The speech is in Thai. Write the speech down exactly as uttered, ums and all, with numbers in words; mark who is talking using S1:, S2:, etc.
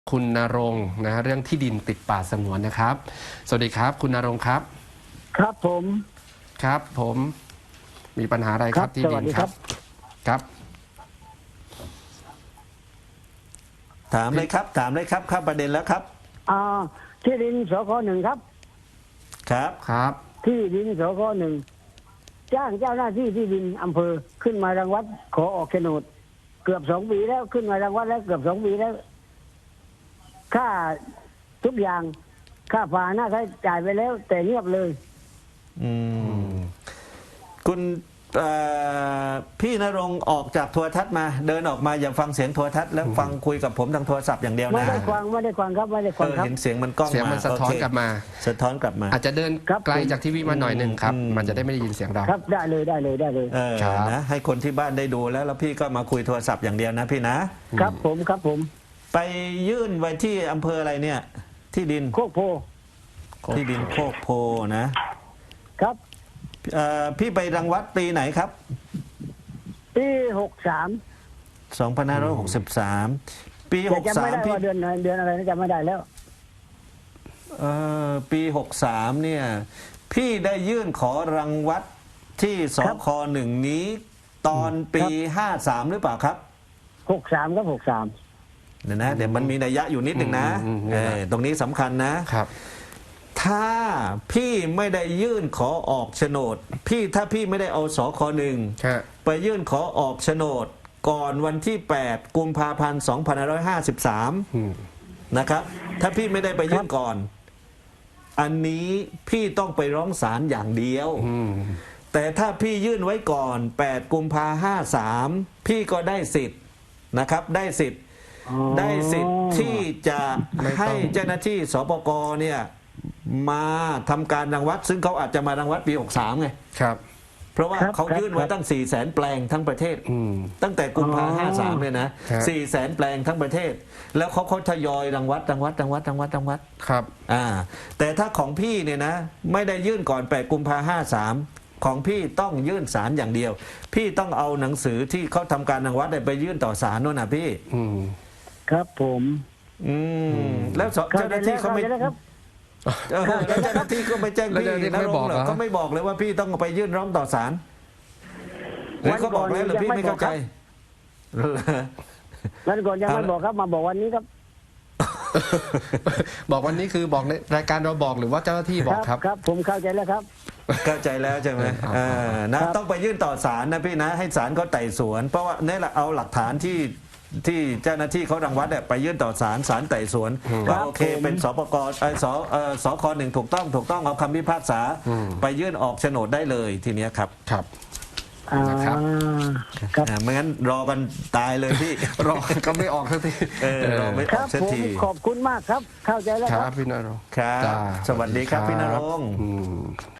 S1: คุณณรงค์นะเรื่องที่ดินติดป่าสงวนนะครับสวัสดีครับคุณณรงค์ครับ
S2: ครับผม
S1: ครับผมมีปัญหาอะไรครับที่ดินครับครับ
S3: ถามเลยครับถามเลยครับเข้าประเด็นแล้วครับ
S2: อ่าที่ดินสคหนึ่งครับ
S3: ครับ
S1: ครับ
S2: ที่ดินสคหนึ่งจ้างเจ้าหน้าที่ที่ดินอำเภอขึ้นมารังวัดขอออกโฉนดเกือบสองปีแล้วขึ้นมารังวัดแล้วเกือบสองปีแล้วค่าทุกอย่างค่าฝาหน้าใช้จ่ายไปแล้ว แต่เงียบเลย
S3: อืมคุณพี่ณรงค์ออกจากโทรทัศน์มาเดินออกมาอย่าฟังเสียงโทรทัศน์แล้วฟังคุยกับผมทางโทรศัพท์อย่างเดียวนะ
S2: ไม่ได้ฟังไม่ได้ฟังครับไม่ได้ฟังครับ
S3: เห็นเสียงมันกล้องมา
S1: เสียงมันสะท้อนกลับมา
S3: สะท้อนกลับมา
S1: อาจจะเดินไกลจากทีวีมาหน่อยหนึ่งครับมันจะได้ไม่ได้ยินเสียงเรา
S2: ครับได้เลยได้เลยได้เลย
S3: เออนะให้คนที่บ้านได้ดูแล้วแล้วพี่ก็มาคุยโทรศัพท์อย่างเดียวนะพี่นะครับ
S2: ผมครับผม
S3: ไปยื่นไว้ที่อำเภออะไรเนี่ยที่ดิน
S2: โคกโพ
S3: ที่ดินโคกโพนะครับพี่ไปรังวัดปีไหนครับ
S2: ปีหกสาม
S3: สองพันห้าร้อยหกสิบสามปีหกสาม
S2: พี่เดือนเดือนอะไรนะจำไม่ได้แล้ว
S3: เออปีหกสามเนี่ยพี่ได้ยื่นขอรังวัดที่สคหนึ่งนี้ตอนปีห้าสามหรือเปล่าครับ
S2: หกสามครับหกสาม
S3: เนี่ยนะเดี๋ยวมันมีนัยยะอยู่นิดหนึ่งนะเออตรงนี้สำคัญนะครับถ้าพี่ไม่ได้ยื่นขอออกโฉนดพี่ถ้าพี่ไม่ได้เอาสคหนึ่งไปยื่นขอออกโฉนดก่อนวันที่แปดกุมภาพันธ์สองพันห้าร้อยห้าสิบสามนะครับถ้าพี่ไม่ได้ไปยื่นก่อนอันนี้พี่ต้องไปร้องศาลอย่างเดียวแต่ถ้าพี่ยื่นไว้ก่อนแปดกุมภาพันธ์ห้าสามพี่ก็ได้สิทธิ์นะครับได้สิทธิ์ได้สิทธิ์ที่จะให้เจ้าหน้าที่สปก.เนี่ยมาทำการรังวัดซึ่งเขาอาจจะมารังวัดปีหกสามไง
S1: ครับ
S3: เพราะว่าเขายื่นไว้ตั้งสี่แสนแปลงทั้งประเทศตั้งแต่กุมภาพันธ์ห้าสามเนี่ยนะสี่แสนแปลงทั้งประเทศแล้วเขาเขาทยอยรังวัดรังวัดรังวัดรังวัดรังวัด
S1: ครับ
S3: อ่าแต่ถ้าของพี่เนี่ยนะไม่ได้ยื่นก่อนแปดกุมภาพันธ์ห้าสามของพี่ต้องยื่นศาลอย่างเดียวพี่ต้องเอาหนังสือที่เขาทำการรังวัดไปยื่นต่อศาลโน่นนะพี่
S2: ครับผม
S3: อืมแล้วเจ้าหน้าที่เขาไม่เจ้าหน้าที่ก็ไม่แจ้งพี่นะไม่บอกเหรอเขาไม่บอกเลยว่าพี่ต้องไปยื่นร้องต่อศาลหรือเขาบอกแล้วหรือพี่ไม่เข้าใจ
S2: วันก่อนยังไม่บอกครับมาบอกวันนี้ครับ
S1: บอกวันนี้คือบอกในรายการเราบอกหรือว่าเจ้าหน้าที่บอกครับ
S2: ครับผมเข้าใจแล้วครับ
S3: เข้าใจแล้วใช่ไหมนะต้องไปยื่นต่อศาลนะพี่นะให้ศาลเขาไต่สวนเพราะว่านี่แหละเอาหลักฐานที่ที่เจ้าหน้าที่เขารังวัดเนี่ยไปยื่นต่อศาลศาลไต่สวนว่าโอเคเป็นสปกไอสสคหนึ่งถูกต้องถูกต้องเอาคำพิพากษาไปยื่นออกโฉนดได้เลยทีเนี้ยครับ
S1: ครับ
S3: นะครับไม่งั้นรอกันตายเลยพี่
S1: รอก็ไม่ออกสักที
S3: เออรอไม่ออกสักที
S2: ขอบคุณมากครับเข้าใจแล้ว
S1: ครับพี่ณรงค์
S3: ครับสวัสดีครับพี่ณรงค์